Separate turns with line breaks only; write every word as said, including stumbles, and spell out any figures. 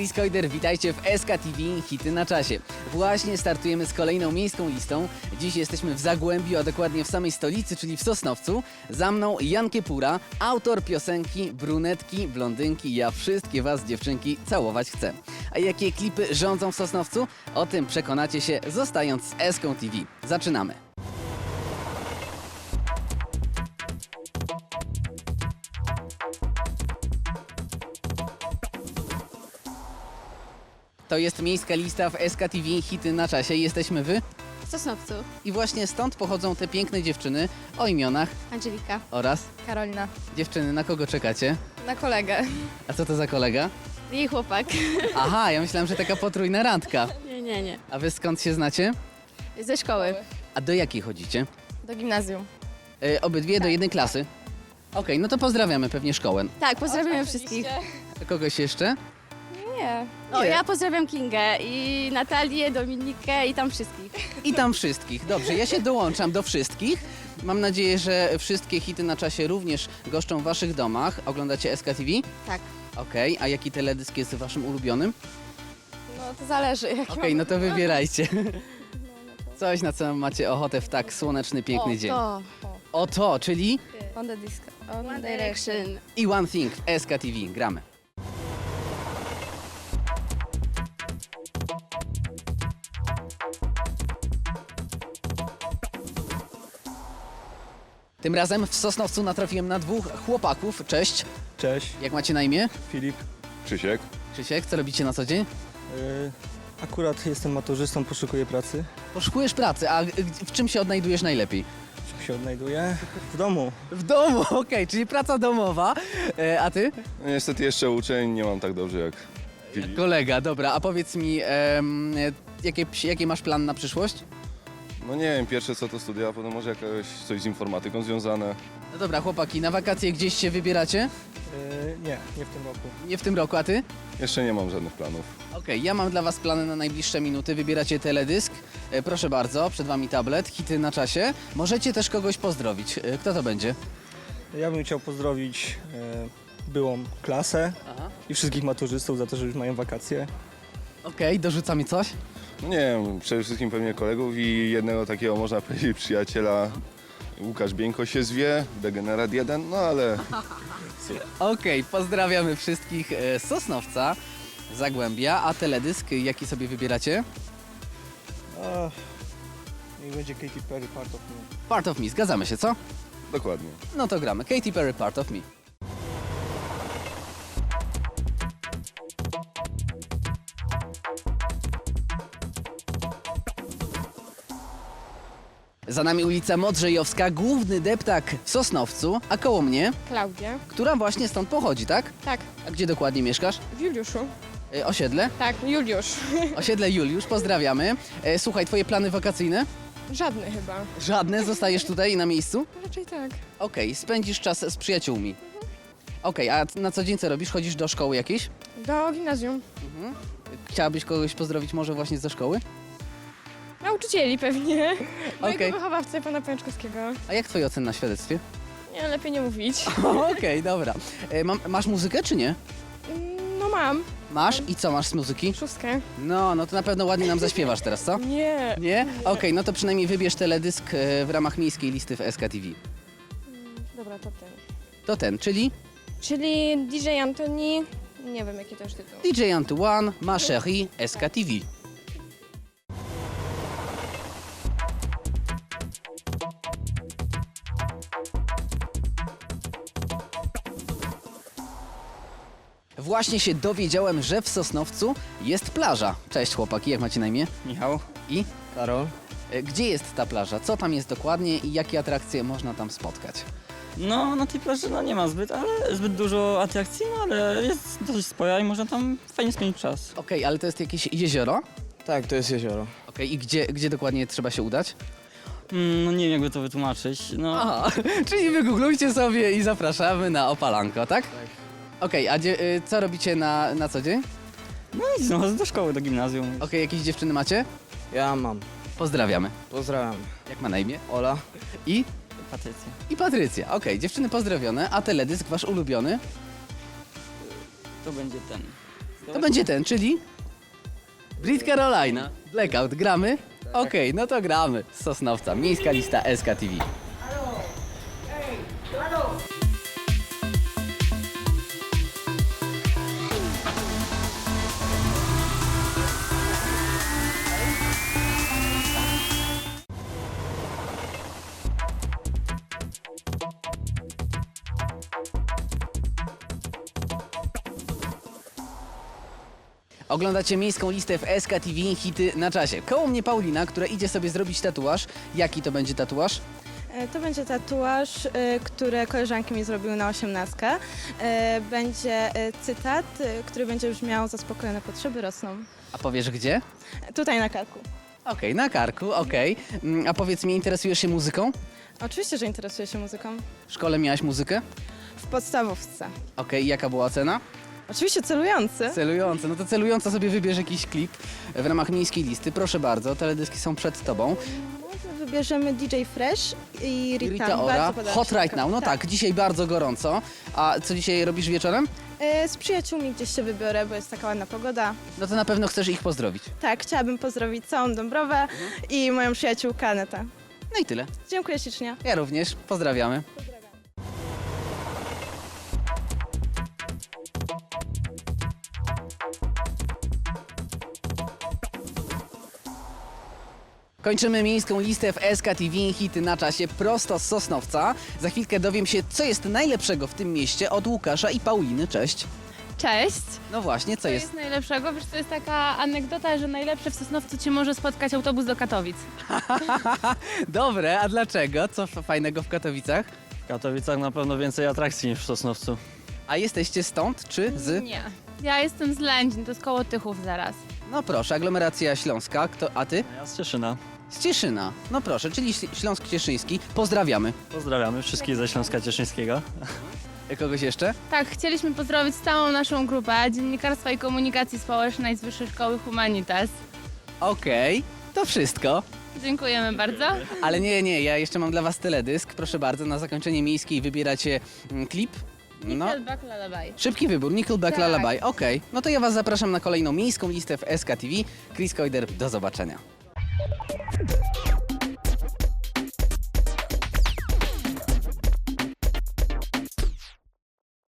Skojder, witajcie w S K T V Hity na czasie. Właśnie startujemy z kolejną miejską listą. Dziś jesteśmy w Zagłębiu, a dokładnie w samej stolicy, czyli w Sosnowcu. Za mną Jan Kiepura, autor piosenki Brunetki, blondynki, ja wszystkie was dziewczynki całować chcę. A jakie klipy rządzą w Sosnowcu? O tym przekonacie się zostając z S K T V. Zaczynamy. To jest miejska lista w S K T V Hity na czasie. Jesteśmy wy
W Sosnowcu.
i właśnie stąd pochodzą te piękne dziewczyny o imionach
Angelika.
oraz
Karolina.
dziewczyny. Na kogo czekacie?
Na kolegę.
A co to za kolega?
Jej chłopak.
Aha, ja myślałam, że taka potrójna randka.
Nie, nie, nie.
A wy skąd się znacie?
Ze szkoły.
A do jakiej chodzicie?
Do gimnazjum.
E, obydwie do jednej klasy? Okej, no to pozdrawiamy pewnie szkołę.
Tak, pozdrawiamy wszystkich.
A kogoś jeszcze?
Nie. O,
Nie.
ja pozdrawiam Kingę i Natalię, Dominikę i tam wszystkich.
I tam wszystkich. Dobrze, ja się dołączam do wszystkich. Mam nadzieję, że wszystkie hity na czasie również goszczą w waszych domach. Oglądacie S K T V?
Tak.
Okej, a jaki teledysk jest waszym ulubionym?
No to zależy. Jak
Okej, no to wybierajcie. Coś, na co macie ochotę w tak słoneczny, piękny dzień.
To.
O to, czyli
On the disco. On Direction.
i One Thing w S K T V. Gramy. Tym razem w Sosnowcu natrafiłem na dwóch chłopaków. Cześć,
Cześć,
jak macie na imię?
Filip.
Krzysiek.
Krzysiek, co robicie na co dzień?
Yy, akurat jestem maturzystą, poszukuję pracy.
Poszukujesz pracy, a w czym się odnajdujesz najlepiej?
Czym się odnajduję? W domu.
W domu, okej, czyli praca domowa. E, a ty?
No, niestety jeszcze uczeń, nie mam tak dobrze jak Filip.
Kolega, dobra, a powiedz mi, em, jakie, jaki masz plan na przyszłość?
No nie wiem, pierwsze co to studia, a potem może jakieś coś z informatyką związane.
No dobra, chłopaki, na wakacje gdzieś się wybieracie?
Yy, nie, nie w tym roku.
Nie w tym roku, a ty?
Jeszcze nie mam żadnych planów.
Okej, ja mam dla was plany na najbliższe minuty. Wybieracie teledysk. E, proszę bardzo, przed wami tablet, hity na czasie. Możecie też kogoś pozdrowić. E, kto to będzie?
Ja bym chciał pozdrowić yy, byłą klasę
Aha.
i wszystkich maturzystów za to, że już mają wakacje.
Okej, dorzuca mi coś?
No nie wiem, przede wszystkim pewnie kolegów i jednego takiego, można powiedzieć, przyjaciela. Łukasz Bieńko się zwie, Degenerat jeden, no ale
Okej, pozdrawiamy wszystkich e, z Sosnowca, Zagłębia. A teledysk, jaki sobie wybieracie?
A, niech będzie Katy Perry, Part of Me.
Part of Me, zgadzamy się, co?
dokładnie.
No to gramy. Katy Perry, Part of Me. Za nami ulica Modrzejowska, główny deptak w Sosnowcu, a koło mnie,
Klaudia.
która właśnie stąd pochodzi, tak?
Tak,
A gdzie dokładnie mieszkasz?
w Juliuszu.
E, osiedle?
Tak, Juliusz.
Osiedle Juliusz, pozdrawiamy. E, słuchaj, twoje plany wakacyjne?
Żadny chyba.
Żadne? Zostajesz tutaj na miejscu?
Raczej tak.
Okej, spędzisz czas z przyjaciółmi. Okej, a na co dzień co robisz? Chodzisz do szkoły jakiejś?
Do gimnazjum.
Chciałabyś kogoś pozdrowić może właśnie ze szkoły?
Nauczycieli pewnie. Mojego
Okej.
wychowawcę, pana Pęczkowskiego.
A jak twoje oceny na świadectwie?
Nie, lepiej nie mówić.
Okej, dobra. E, mam, masz muzykę czy nie?
Mm, No mam.
Masz? I co masz z muzyki?
Szóstkę.
No, no to na pewno ładnie nam zaśpiewasz teraz, co?
Nie.
Nie? Okej, no to przynajmniej wybierz teledysk e, w ramach miejskiej listy w S K T V.
Dobra, to ten.
To ten, czyli
Czyli D J Antoni. Nie wiem, jaki to już tytuł.
D J Antoine, Ma Chérie, S K T V. Właśnie się dowiedziałem, że w Sosnowcu jest plaża. Cześć chłopaki, jak macie na imię?
Michał.
I?
Karol.
E, Gdzie jest ta plaża? Co tam jest dokładnie i jakie atrakcje można tam spotkać?
No, na tej plaży no, nie ma zbyt, ale zbyt dużo atrakcji, no ale jest dosyć spora i można tam fajnie spędzić czas.
Okej, ale to jest jakieś jezioro?
Tak, to jest jezioro.
Okej, i gdzie, gdzie dokładnie trzeba się udać?
Mm, no nie wiem jakby to wytłumaczyć, no
Aha, czyli wygooglujcie sobie i zapraszamy na Opalanko, tak? Tak. Okej, a dzie- y, co robicie na, na co dzień?
no i znowu do szkoły, do gimnazjum.
Okej, jakieś dziewczyny macie?
Ja mam.
Pozdrawiamy.
Pozdrawiam.
Jak ma na imię?
Ola.
I?
Patrycja.
I Patrycja. Okej, dziewczyny pozdrowione, a teledysk wasz ulubiony?
To będzie ten.
To będzie ten, czyli? Brit Carolina. Blackout, gramy? Okej, no to gramy. Z Sosnowca, miejska lista S K T V. Oglądacie miejską listę w S K T V, hity na czasie. Koło mnie Paulina, która idzie sobie zrobić tatuaż. Jaki to będzie tatuaż?
E, To będzie tatuaż, e, który koleżanki mi zrobiły na osiemnastkę. E, Będzie e, cytat, e, który będzie brzmiał: zaspokojone potrzeby rosną.
A powiesz gdzie?
E, Tutaj na karku.
Okej, na karku, okej. Mm, A powiedz mi, interesujesz się muzyką?
Oczywiście, że interesuję się muzyką.
W szkole miałaś muzykę?
W podstawówce.
Okej, jaka była ocena?
Oczywiście celujący.
Celująca. No to celująca sobie wybierz jakiś klip w ramach miejskiej listy. Proszę bardzo, teledyski są przed tobą.
Może wybierzemy D J Fresh i Rita.
Rita
Bardzo
Ora,
podoba
Hot
się
Right
taka-
Now. No tak, dzisiaj bardzo gorąco. A co dzisiaj robisz wieczorem?
E, Z przyjaciółmi gdzieś się wybiorę, bo jest taka ładna pogoda.
No to na pewno chcesz ich pozdrowić.
Tak, chciałabym pozdrowić całą Dąbrowę i moją przyjaciółkę Anetę.
No i tyle.
Dziękuję ślicznie.
Ja również. Pozdrawiamy. Kończymy miejską listę w S K T V, hity na czasie prosto z Sosnowca. Za chwilkę dowiem się, co jest najlepszego w tym mieście od Łukasza i Pauliny. Cześć.
Cześć.
No właśnie, co
Co
jest?
jest najlepszego? Wiesz, to jest taka anegdota, że najlepsze w Sosnowcu cię może spotkać autobus do Katowic.
Dobre, a dlaczego? Co f- fajnego w Katowicach?
W Katowicach na pewno więcej atrakcji niż w Sosnowcu.
A jesteście stąd czy z?
Nie. Ja jestem z Lędzin, to jest koło Tychów zaraz.
No proszę, aglomeracja śląska. Kto, a ty?
Ja z Cieszyna.
Z Cieszyna. No proszę, czyli Śl- Śląsk Cieszyński. Pozdrawiamy.
Pozdrawiamy wszystkich ze Śląska Cieszyńskiego.
Kogoś jeszcze?
Tak, chcieliśmy pozdrowić całą naszą grupę Dziennikarstwa i Komunikacji Społecznej z Wyższej Szkoły Humanitas.
Okej, to wszystko.
Dziękujemy bardzo.
Ale nie, nie, ja jeszcze mam dla was teledysk. Proszę bardzo, na zakończenie miejskiej wybieracie mm, klip. No,
Nickelback Lullaby.
szybki wybór, Nickelback
Tak.
Lullaby. Okej, no to ja was zapraszam na kolejną miejską listę w S K T V. Chris Koider, do zobaczenia.